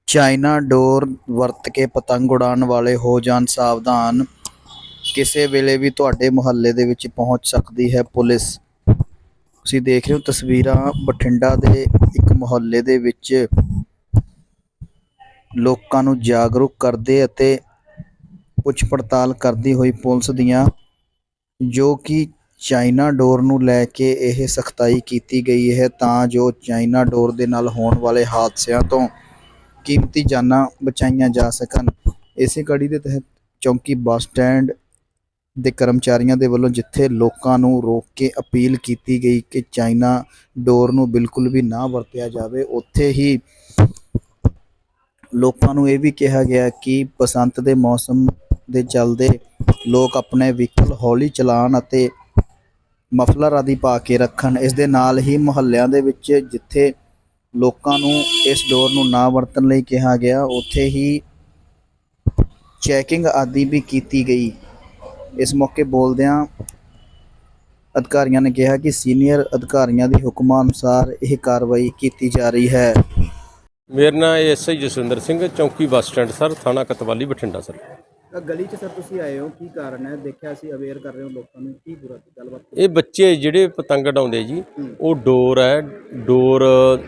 China ਡੋਰ ਵਰਤ ਕੇ ਪਤੰਗ ਉਡਾਉਣ ਵਾਲੇ ਹੋ ਜਾਣ ਸਾਵਧਾਨ। ਕਿਸੇ ਵੇਲੇ ਵੀ ਤੁਹਾਡੇ ਮੁਹੱਲੇ ਦੇ ਵਿੱਚ ਪਹੁੰਚ ਸਕਦੀ ਹੈ ਪੁਲਿਸ। ਤੁਸੀਂ ਦੇਖ ਰਹੇ ਹੋ ਤਸਵੀਰਾਂ ਬਠਿੰਡਾ ਦੇ ਇੱਕ ਮੁਹੱਲੇ ਦੇ ਵਿੱਚ ਲੋਕਾਂ ਨੂੰ ਜਾਗਰੂਕ ਕਰਦੇ ਅਤੇ ਪੁੱਛ ਪੜਤਾਲ ਕਰਦੀ ਹੋਈ ਪੁਲਿਸ ਦੀਆਂ, ਜੋ ਕਿ ਚਾਈਨਾ ਡੋਰ ਨੂੰ ਲੈ ਕੇ ਇਹ ਸਖਤਾਈ ਕੀਤੀ ਗਈ ਹੈ ਤਾਂ ਜੋ ਚਾਈਨਾ ਡੋਰ ਦੇ ਨਾਲ ਹੋਣ ਵਾਲੇ ਹਾਦਸਿਆਂ ਤੋਂ ਕੀਮਤੀ ਜਾਨਾਂ ਬਚਾਈਆਂ ਜਾ ਸਕਣ। ਇਸੇ ਕੜੀ ਦੇ ਤਹਿਤ ਚੌਂਕੀ ਬੱਸ ਸਟੈਂਡ ਦੇ ਕਰਮਚਾਰੀਆਂ ਦੇ ਵੱਲੋਂ ਜਿੱਥੇ ਲੋਕਾਂ ਨੂੰ ਰੋਕ ਕੇ ਅਪੀਲ ਕੀਤੀ ਗਈ ਕਿ ਚਾਈਨਾ ਡੋਰ ਨੂੰ ਬਿਲਕੁਲ ਵੀ ਨਾ ਵਰਤਿਆ ਜਾਵੇ, ਉੱਥੇ ਹੀ ਲੋਕਾਂ ਨੂੰ ਇਹ ਵੀ ਕਿਹਾ ਗਿਆ ਕਿ ਬਸੰਤ ਦੇ ਮੌਸਮ ਦੇ ਚੱਲਦੇ ਲੋਕ ਆਪਣੇ ਵਹੀਕਲ ਹੌਲੀ ਚਲਾਉਣ ਅਤੇ ਮਫਲਰ ਆਦਿ ਪਾ ਕੇ ਰੱਖਣ। ਇਸ ਦੇ ਨਾਲ ਹੀ ਮੁਹੱਲਿਆਂ ਦੇ ਵਿੱਚ ਜਿੱਥੇ ਲੋਕਾਂ ਨੂੰ ਇਸ ਡੋਰ ਨੂੰ ਨਾ ਵਰਤਣ ਲਈ ਕਿਹਾ ਗਿਆ, ਉੱਥੇ ਹੀ ਚੈਕਿੰਗ ਆਦਿ ਵੀ ਕੀਤੀ ਗਈ। ਇਸ ਮੌਕੇ ਬੋਲਦਿਆਂ ਅਧਿਕਾਰੀਆਂ ਨੇ ਕਿਹਾ ਕਿ ਸੀਨੀਅਰ ਅਧਿਕਾਰੀਆਂ ਦੇ ਹੁਕਮਾਂ ਅਨੁਸਾਰ ਇਹ ਕਾਰਵਾਈ ਕੀਤੀ ਜਾ ਰਹੀ ਹੈ। ਮੇਰਾ ਨਾਮ ਐਸਆਈ ਜਸਵਿੰਦਰ ਸਿੰਘ, ਚੌਂਕੀ ਬੱਸ ਸਟੈਂਡ ਸਰ, ਥਾਣਾ ਕਤਵਾਲੀ, ਬਠਿੰਡਾ ਸਰ। ਗਲੀ 'ਚ ਸਰ ਤੁਸੀਂ ਆਏ ਹੋ, ਕੀ ਕਾਰਨ ਹੈ? ਦੇਖਿਆ ਅਸੀਂ ਅਵੇਅਰ ਕਰ ਰਹੇ ਹੋ ਲੋਕਾਂ ਨੂੰ, ਕੀ ਪੂਰਾ ਗੱਲਬਾਤ? ਇਹ ਬੱਚੇ ਜਿਹੜੇ ਪਤੰਗ ਉਡਾਉਂਦੇ ਜੀ, ਉਹ ਡੋਰ ਹੈ, ਡੋਰ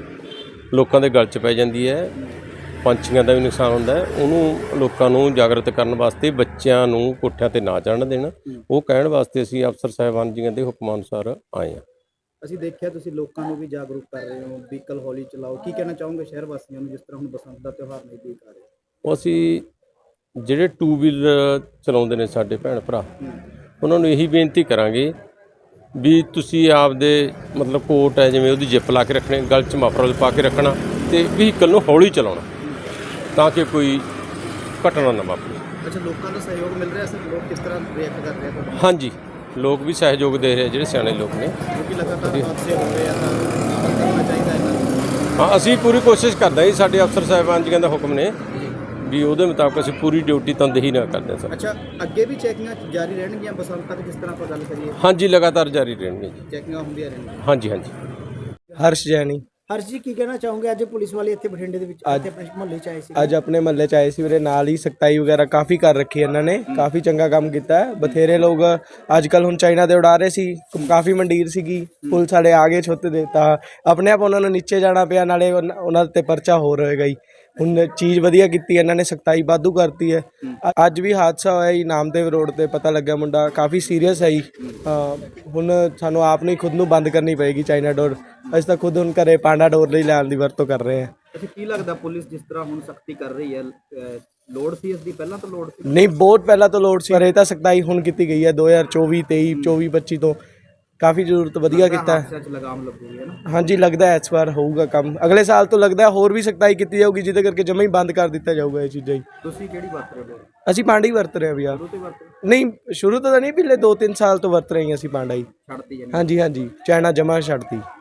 ਲੋਕਾਂ ਦੇ ਗਲ 'ਚ ਪੈ ਜਾਂਦੀ ਹੈ, ਪੰਛੀਆਂ ਦਾ ਵੀ ਨੁਕਸਾਨ ਹੁੰਦਾ ਹੈ। ਉਹਨੂੰ ਲੋਕਾਂ ਨੂੰ ਜਾਗਰਤ ਕਰਨ ਵਾਸਤੇ ਬੱਚਿਆਂ ਨੂੰ ਕੋਠਿਆਂ 'ਤੇ ਨਾ ਚੜ੍ਹਨ ਦੇਣਾ, ਉਹ ਕਹਿਣ ਵਾਸਤੇ ਅਸੀਂ ਅਫਸਰ ਸਾਹਿਬਾਨ ਜੀਆਂ ਦੇ ਹੁਕਮਾਂ ਅਨੁਸਾਰ ਆਏ ਹਾਂ। ਅਸੀਂ ਦੇਖਿਆ ਤੁਸੀਂ ਲੋਕਾਂ ਨੂੰ ਵੀ ਜਾਗਰੂਕ ਕਰ ਰਹੇ ਹੋ, ਵਹੀਕਲ ਹੌਲੀ ਚਲਾਓ, ਕੀ ਕਹਿਣਾ ਚਾਹੋਗੇ ਸ਼ਹਿਰ ਵਾਸੀਆਂ ਨੂੰ ਜਿਸ ਤਰ੍ਹਾਂ ਹੁਣ ਬਸੰਤ ਦਾ ਤਿਉਹਾਰ ਨਜ਼ਦੀਕ ਆ ਰਿਹਾ? ਉਹ ਅਸੀਂ ਜਿਹੜੇ 2 ਵੀਲਰ ਚਲਾਉਂਦੇ ਨੇ ਸਾਡੇ ਭੈਣ ਭਰਾ, ਉਹਨਾਂ ਨੂੰ ਇਹੀ ਬੇਨਤੀ ਕਰਾਂਗੇ ਵੀ ਤੁਸੀਂ ਆਪਦੇ ਮਤਲਬ ਕੋਟ ਹੈ ਜਿਵੇਂ ਉਹਦੀ ਜਿੱਪ ਲਾ ਕੇ ਰੱਖਣੇ, ਗਲ 'ਚ ਮਫਰਲ ਪਾ ਕੇ ਰੱਖਣਾ ਅਤੇ ਵਹੀਕਲ ਨੂੰ ਹੌਲੀ ਚਲਾਉਣਾ ਤਾਂ ਕਿ ਕੋਈ ਘਟਨਾ ਨਾ ਵਾਪਰੇ। ਅੱਛਾ, ਲੋਕਾਂ ਦਾ ਸਹਿਯੋਗ ਮਿਲ ਰਿਹਾ ਸਰ? ਲੋਕ ਕਿਸ ਤਰ੍ਹਾਂ ਰਿਐਕਟ ਕਰ ਰਹੇ ਆ? ਹਾਂਜੀ, ਲੋਕ ਵੀ ਸਹਿਯੋਗ ਦੇ ਰਹੇ, ਜਿਹੜੇ ਸਿਆਣੇ ਲੋਕ ਨੇ, ਕਿਉਂਕਿ ਲਗਾਤਾਰ ਹਾਦਸੇ ਹੋ ਰਹੇ ਆ ਤਾਂ ਕਰਨਾ ਚਾਹੀਦਾ ਹੈ। ਹਾਂ, ਅਸੀਂ ਪੂਰੀ ਕੋਸ਼ਿਸ਼ ਕਰਦੇ ਹਾਂ ਜੀ, ਸਾਡੇ ਅਫਸਰ ਸਾਹਿਬਾਨ ਜੀਆਂ ਦਾ ਹੁਕਮ ਨੇ ਵੀ ਉਹਦੇ ਮੁਤਾਬਕ ਅਸੀਂ ਪੂਰੀ ਡਿਊਟੀ ਤਨਦੇਹੀ ਨਾਲ ਕਰਦੇ ਹਾਂ ਸਰ। ਅੱਛਾ, ਅੱਗੇ ਵੀ ਚੈਕਿੰਗਾਂ ਜਾਰੀ ਰਹਿਣਗੀਆਂ ਬਸੰਤ ਤੱਕ, ਜਿਸ ਤਰ੍ਹਾਂ ਆਪਾਂ ਗੱਲ ਕਰੀਏ? ਹਾਂਜੀ, ਲਗਾਤਾਰ ਜਾਰੀ ਰਹਿਣਗੀਆਂ ਜੀ, ਚੈਕਿੰਗਾਂ ਹੁੰਦੀਆਂ ਰਹਿਣਗੀਆਂ। ਹਾਂਜੀ ਹਾਂਜੀ। ਹਰਸ਼ ਜੈਨੀ। ਹਰਸ਼ ਜੀ, ਕੀ ਕਹਿਣਾ ਚਾਹੋਗੇ? ਅੱਜ ਪੁਲਿਸ ਵਾਲੇ ਇੱਥੇ ਬਠਿੰਡੇ ਦੇ ਵਿੱਚ ਆਪਣੇ ਮੁਹੱਲੇ 'ਚ ਆਏ ਸੀ। ਅੱਜ ਆਪਣੇ ਮੁਹੱਲੇ 'ਚ ਆਏ ਸੀ ਵੀਰੇ, ਨਾਲ ਹੀ ਸਖਤਾਈ ਵਗੈਰਾ ਕਾਫੀ ਕਰ ਰੱਖੀ ਇਹਨਾਂ ਨੇ, ਕਾਫੀ ਚੰਗਾ ਕੰਮ ਕੀਤਾ ਹੈ। ਬਥੇਰੇ ਲੋਕ ਅੱਜ ਕੱਲ੍ਹ ਹੁਣ ਚਾਈਨਾ ਦੇ ਉਡਾ ਰਹੇ ਸੀ, ਕਾਫੀ ਮੰਡੀਰ ਸੀਗੀ, ਪੁਲਿਸ ਵਾਲੇ ਆ ਗਏ ਛੁੱਟ ਦੇ, ਤਾਂ ਆਪਣੇ ਆਪ ਉਹਨਾਂ ਨੂੰ ਨੀਚੇ ਜਾਣਾ ਪਿਆ, ਨਾਲੇ ਉਹਨਾਂ 'ਤੇ ਪਰਚਾ ਹੋ ਰਹੇਗਾ ਹੀ। ਹੁਣ ਚੀਜ਼ ਵਧੀਆ ਕੀਤੀ ਇਹਨਾਂ ਨੇ, ਸਖਤਾਈ ਵਾਧੂ ਕਰਤੀ ਹੈ। ਅੱਜ ਵੀ ਹਾਦਸਾ ਹੋਇਆ ਜੀ ਨਾਮਦੇਵ ਰੋਡ ਤੇ, ਪਤਾ ਲੱਗਿਆ ਮੁੰਡਾ ਕਾਫੀ ਸੀਰੀਅਸ ਹੈ ਜੀ। ਹੁਣ ਸਾਨੂੰ ਆਪ ਨੂੰ ਖੁਦ ਨੂੰ ਬੰਦ ਕਰਨੀ ਪਏਗੀ ਚਾਈਨਾ ਡੋਰ। ਅਸੀਂ ਤਾਂ ਖੁਦ ਹੁਣ ਘਰੇ ਪਾਂਡਾ ਡੋਰ ਲਈ ਲੈਣ ਦੀ ਵਰਤੋਂ ਕਰ ਰਹੇ ਹਾਂ। ਅੱਛਾ, ਕੀ ਲੱਗਦਾ ਪੁਲਿਸ ਜਿਸ ਤਰ੍ਹਾਂ ਹੁਣ ਸਖਤੀ ਕਰ ਰਹੀ ਹੈ, ਲੋੜ ਸੀ ਇਸ ਦੀ? ਪਹਿਲਾਂ ਤੋਂ ਲੋੜ ਸੀ? ਨਹੀਂ, ਬਹੁਤ ਪਹਿਲਾਂ ਤੋਂ ਲੋੜ ਸੀ, ਪਰ ਇਹ ਤਾਂ ਸਖਤਾਈ ਹੁਣ ਕੀਤੀ ਗਈ ਹੈ 2024, 23, 24, 25 ਤੋਂ। ਕਾਫੀ ਜ਼ਰੂਰਤ ਵਧੀਆ ਕੀਤਾ ਹੈ। ਲਗਾਮ ਲੱਗੂਗੀ ਨਾ? ਹਾਂਜੀ, ਲੱਗਦਾ ਇਸ ਵਾਰ ਹੋਊਗਾ ਕੰਮ, ਅਗਲੇ ਸਾਲ ਤੋਂ ਲੱਗਦਾ ਹੋਰ ਵੀ ਸਖਤਾਈ ਕੀਤੀ ਜਾਊਗੀ, ਜਿਹਦੇ ਕਰਕੇ ਜਮਾਂ ਹੀ ਬੰਦ ਕਰ ਦਿੱਤਾ ਜਾਊਗਾ ਇਹ ਚੀਜ਼ਾਂ ਹੀ। ਤੁਸੀਂ ਕਿਹੜੀ ਵਰਤ ਰਹੇ ਹੋ? ਅਸੀਂ ਪਾਂਡਾ ਹੀ ਵਰਤ ਰਹੇ ਹਾਂ ਵੀ ਯਾਰ। ਨਹੀਂ, ਸ਼ੁਰੂ ਤੋਂ ਤਾਂ ਨਹੀਂ, ਪਿਛਲੇ 2-3 ਸਾਲ ਤੋਂ ਵਰਤ ਰਹੇ ਹਾਂ ਅਸੀਂ ਪਾਂਡਾ ਹੀ। ਛੱਡਤੀ? ਹਾਂਜੀ ਹਾਂਜੀ, ਚਾਈਨਾ ਜਮਾਂ ਛੱਡਤੀ।